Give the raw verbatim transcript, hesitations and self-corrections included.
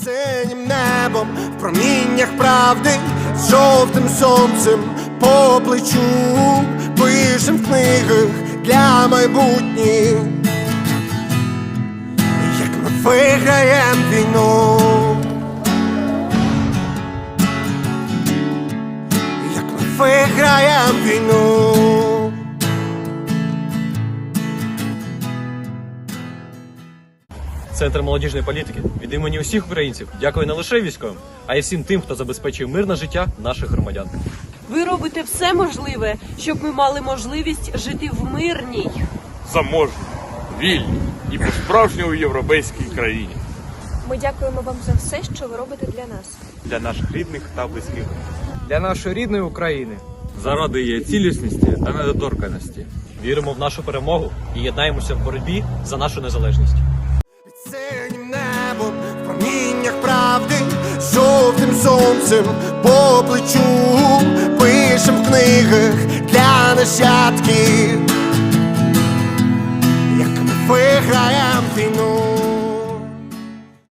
Синім небом, в проміннях правди, з жовтим сонцем по плечу, пишем в книгах для майбутніх, як ми виграєм війну, як ми виграєм війну. Центр молодіжної політики від імені усіх українців дякує не лише військовим, а й всім тим, хто забезпечує мирне життя наших громадян. Ви робите все можливе, щоб ми мали можливість жити в мирній, заможній, вільній і по-справжньому європейській країні. Ми дякуємо вам за все, що ви робите для нас. Для наших рідних та близьких. Для нашої рідної України. Заради її цілісності та недоторканості. Віримо в нашу перемогу і єднаємося в боротьбі за нашу незалежність. Під синім небом, в проміннях правди, з жовтим сонцем по плечу, пишем в книгах для нащадків, як ми виграєм війну.